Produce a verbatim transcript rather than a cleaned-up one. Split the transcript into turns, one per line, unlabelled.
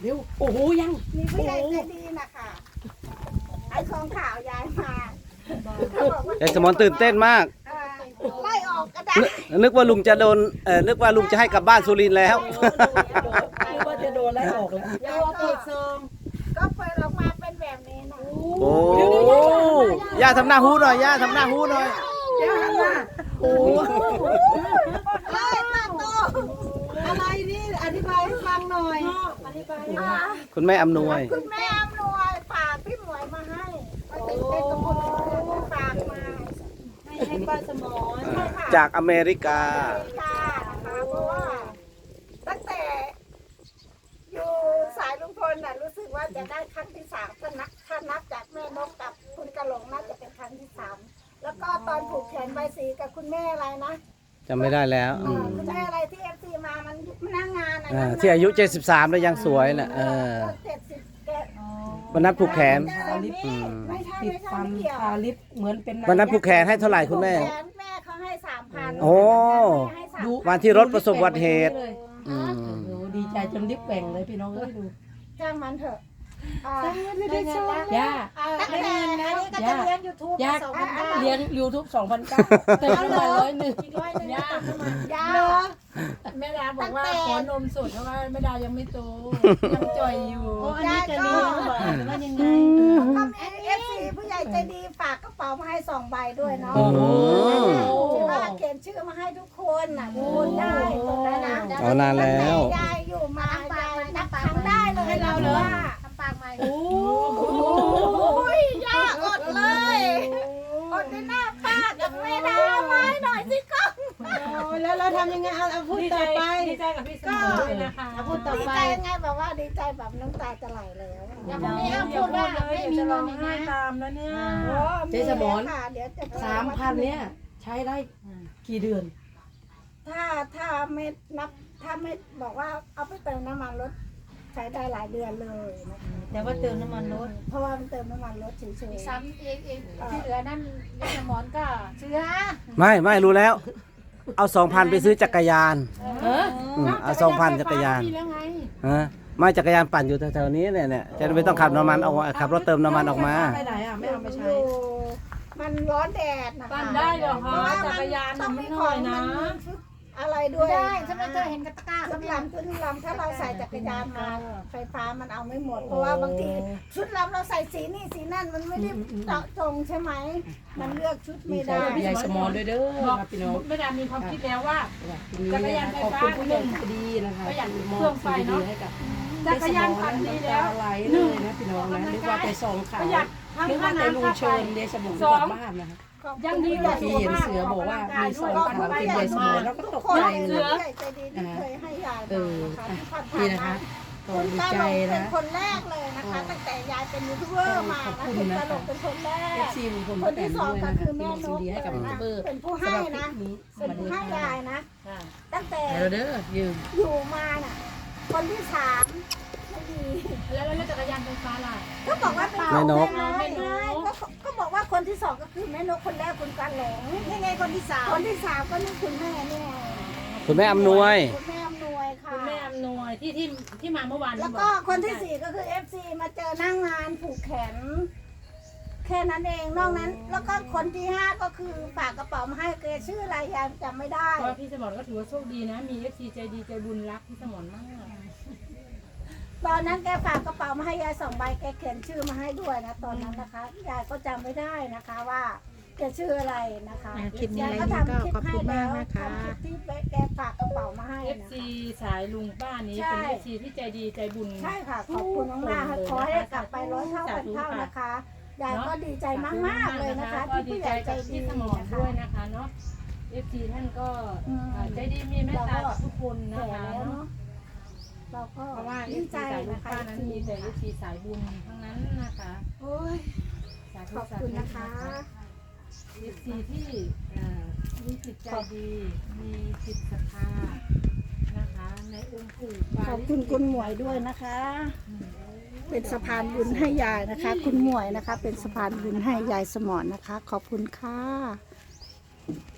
เร็วโอ้โหยัง
มีผู้ใหญ่ใจดีนะคะไอ้ของข่าวยายมาเขาบอกว่าย
ายสมรตื่นเต้นมาก
เอ่อไล่ออกก็ได้
นึกนึกว่าลุงจะโดนเอ่อนึกว่าลุงจะให้กลับบ้านสุรินทร์แล้ว
คิดว่าจะโดนไล่ออกแล้ว
ยายก็เปิดซองก็เปิดออกมาเป็นแบบนี้นะ
โอ้ย่าทำหน้าฮู้หน่อยย่าทำหน้าฮู้หน่อย
ย่ามาโอ้
ไล่มาโต
อะไรนี่อธิบายให้ฟังหน่อยอธิบาย
อ่า
คุณแม่อำนวย
คุณแม่อำนวยฝากพี่หมวยมาให้ก็ติดเต้นกับคนอื่นฝากมา
ให้ให้ป้าสมร
จากอเมริกา
ค่ะนะคะเพราะว่าตั้งแต่อยู่สายลุงพลน่ะรู้สึกว่าจะได้ครั้งที่สามถ้านับถ้านับจากแม่นกกับคุณกะหลงน่าจะเป็นครั้งที่สามแล้วก็ตอนผูกแขนใบสีกับคุณแม่อะไรนะ
จำไม่ได้แล้วอื
อ่าม คุณแม่อะไรที่เอฟซีมามันมันนั่งงานอ่ะ
อ่า
นะ
ที่อายุเจ็ดสิบสามแล้วยังสวยน่ะเออ
เจ็ดสิบแก
วันนั้นผูกแขน
อืมไม่ใช่
ติด
ไม่ใช่
ฟัน
ไม่เกี่ยว
ทาลิปเหมือนเป็น
วันนั้นผูกแขนให้เท่าไหร่คุณแม่
แขนแม่เขาให้สามพัน
โอ้
ให้สาม
ดู
วันที่รถประสบอุบัติเหตุ อืม
โอ้โหดีใจจนลิปแกว่งเลยพี่น้องเอ้ยดู
จ้างมันเถอะอ่า
ได้เงินแล้วย่า
อ่าตั้งแต่อันนี้ก็จะเลี้ยงยูทูบ
ย่า
สองพันบาท
เลี้ยงยูทูบสองพันเก้าเติมน้ำมันร้อยหนึ่ง
อีกร้อยหนึ่งย่า
แม่ดาบอกว่าขอนมสดเพราะว่าแม่ดายังไม่โตยังจ่อยอยู่
โอ้อันนี้จะเลี้ยง
ว่ายังไง
ก็มีเอฟซีผู้ใหญ่ใจดีฝากกระเป๋ามาให้สองใบด้วยเนาะ
โอ้โห
ที่ว่าเขียนชื่อมาให้ทุกคนน่ะทุกคนได้ตรงนั้นนะ
เอานานแล้ว
ตั้งต่ยายอยู่มายายนับครั้งได้เลยให้เราเลยทำปากใหม่โอ้ยยากอดเลยอดในหน้าป้ากับแม่ดาไว้หน่อยสิก้อง
แล้วเราทำยังไงเอาเอาพูด
ดี
ต่
ใจ
อไป
ดีใจกับพี่สมรด้วยนะคะ
เอาพูดต่อ
ดี
ไป
ใจยังไงแบบว่าดีใจแบบน้ำตาจะไหลแล้ว
อย่าพูดว่าไม่มีร้องไห้ตามแล้วเนี่ย
เจ๊สมร
ค่ะเดี๋ยวจะ
สามพันเนี้ยใช้ได้กี่เดือน
ถ้าถ้าไม่นับถ้าไม่บอกว่าเอาไปเติมน้ำมันรถใช้ได้หลายเดือนเลยนะคะ
แต่ว่าเติมน้ำมันรถ
เพราะว่ามันเติมน้ำมันรถเฉยๆ
ซ้ำเองเองที่เหลือนั่นยายสมรก็เชื้อ
ไม่ไม่รู้แล้ว เอาสองพันไปซื้อจักรยาน
เออ
อืมเอาสองพันจักรยาน
มีแล้วไง
ฮะไม่จักรยานปั่นอยู่แถวๆนี้เนี่ยเนี่ยจะไม่ต้องขับน้ำมันออกมาขับรถเติมน้ำมันออกมา
ไปไหนอ่ะไม่เอาไปใช้
อยู่มันร้อนแดดนะคะ
ปั่นได้เหรอคะ
เพราะว่า
จักรยาน
ต้
น่ะ
อง
ไม่
มี
น้
ข
อ
อง
ยนะ
มันชุดอะไรด้วย
ได้ฉันไม่เคยเห็นกระตะกร้า
ชุดลำชุดลำถ้าเราใส่จักรยานมาไฟฟ้ามันเอาไม่หมด เพราะว่าบางทีชุดลำเราใส่สีนี่สีนั่นมันไม่ได้เจาะจงใช่ไหมมันเลือกชุด
มี
ไม่
ใคร
ได้
กับยายสมอด้วยเด้อ
บอก
ครับพี่น้อง
แม่ดามีความคิดแล้วว่า
จักรยานไฟฟ้าขอบคุณผู้ใหญ่ใจดีนะคะ
ประหยัด
ม
เครื่องไฟเนอะ
ดีให้กับ
จักรยานปั่นดีแล้ว
ไหลเลยนะพี่น้องนะนึกว่าไปส่งขา
ป
ว
ระหยัดทั้ง
นึก
ค่า
ว่าแต่ลุ
น้ำ
ง
ค่าไฟ
เชิญเดชบุญก
สอ
ลั
ง
บบ้านนะคะ
ยังดีกว่า
ที่เห็นเสือบอกว่ามีซองขนมกินยายสมอแล้วก็ตก
คน
ใจ
เสื
เล
อย ใหญ่ใจดีที่เคยให้ยาย
เอ
มา
อ
นะคะ
อ่ะ
ที่ผ่าน
นี่
ๆ
นะคะ
มา
ก็ดี
คุณ
ใจ
ตาลงเป็
นะ
นคนแรกเลยนะคะตั้งแต่ยายเป็นยูทูบเบอร์มา
ขอบ
นะ
คุณ
คุณ
นะ
ตาลงเป็นคนแร
เอก ฟซีลุงพล
ค
ป้าน แต
ที่
น
สอง
ด้วย
ก็
นะคะ
คือ
ที่
แม่
ลง
น
ซี
ก
ดีให้กับยูทูบเบอร์
เป็นผู้ให้
สำหรับคลิ
นะ
ปนี้ส
เป็น
วัสดี
ผู้ให้
ค่ะ
ยายนะ ตั้งแต่
เดี๋ยวเด้อยืม
อยู่มาน่ะ คนที่สามไม่ดี
แล้วแล้วจักรยานไฟฟ้าล่ะ
ก็บอกว่าเป็น
แม่นก
แม่น้อยก็ก็บอกว่าคนที่สองก็คือแม่นกคนแรกคุณกันหลงนี่ไงคนที่สามคนที่สามก็นี่คุณแม่เนี่ย
คุณแม่อำนวย
คุณแม่อำนวยค่ะ
คุณแม่อำนวยที่ที่ที่มาเมื่อวาน
แล้วก็คนที่สี่ก็คือเอฟซีมาเจอนั่งงานผูกแขน แค่นั้นเองนอกนั้น แล้วก็คนที่ห้าก็คือฝากกระเป๋ามาให้แกชื่ออะไรยังจำไม่ได้
เพราะว่าพี่สมรก็ถือว่าโชคดีนะ มีเอฟซีใจดีใจบุญรักพี่สมรมาก
ตอนนั้นแกฝากกระเป๋ามาให้ยายสองใบแกเขียนชื่อมาให้ด้วยนะตอนนั้นนะคะยายก็จำไม่ได้นะคะว่าแกชื่ออะไรนะคะ
คลิปนี้
ยาย
ไล
ก็
ฟ์นี้
ทำ
ก็
คลิป
ขอบ
ให้
คุณมา
แล้
ก
ว
นะคะ
ทำคลิปที่แกฝากกระเป๋ามาให้
เอฟ
นะ
ซี
คะ
สายลุงป้านี้
ใช่
เป็นเอฟซีที่ใจดีใจบุญ
ใช่ค่ะขอบคุณมากๆค่ะขอให้ได้กลับไปร้อยเท่าพันเท่านะคะยายก็ดีใจมากๆเลยนะคะ
ก็
ที่
ดี
ผู้ให
ใจ
ญ่ใจ
กับ
ดี
พี่สมร
นะคะ
ด้วยนะคะเนาะเอฟซีท่านก็
อืม
ใจดีมีเมตตากับทุกคนนะ
แก่
คะ
แล้ว
เนาะ
เนาะเราก็
เพราะว่าเอ
ดี
ฟ
ใจ
ซีสายลุ
นะ
ง
คะ
ป้านั้นมีแต่เอฟซีสายบุญทั้งนั้นนะคะ
โอ้ย
สาธุ
ขอบ
สา
คุ
ธุ
ณนะคะ
เอฟซีที่เอ่อมีจิตใจดี มีจิตศรัทธานะคะในองค์ปู่ปา
ขอบ
ริ
คุณ
จิต
คุณหมวยด้วยนะคะ เป็นสะพานบุญให้ยายนะคะ คุณหมวยนะคะ เป็นสะพานบุญให้ยายสมอนนะคะ ขอบคุณค่ะ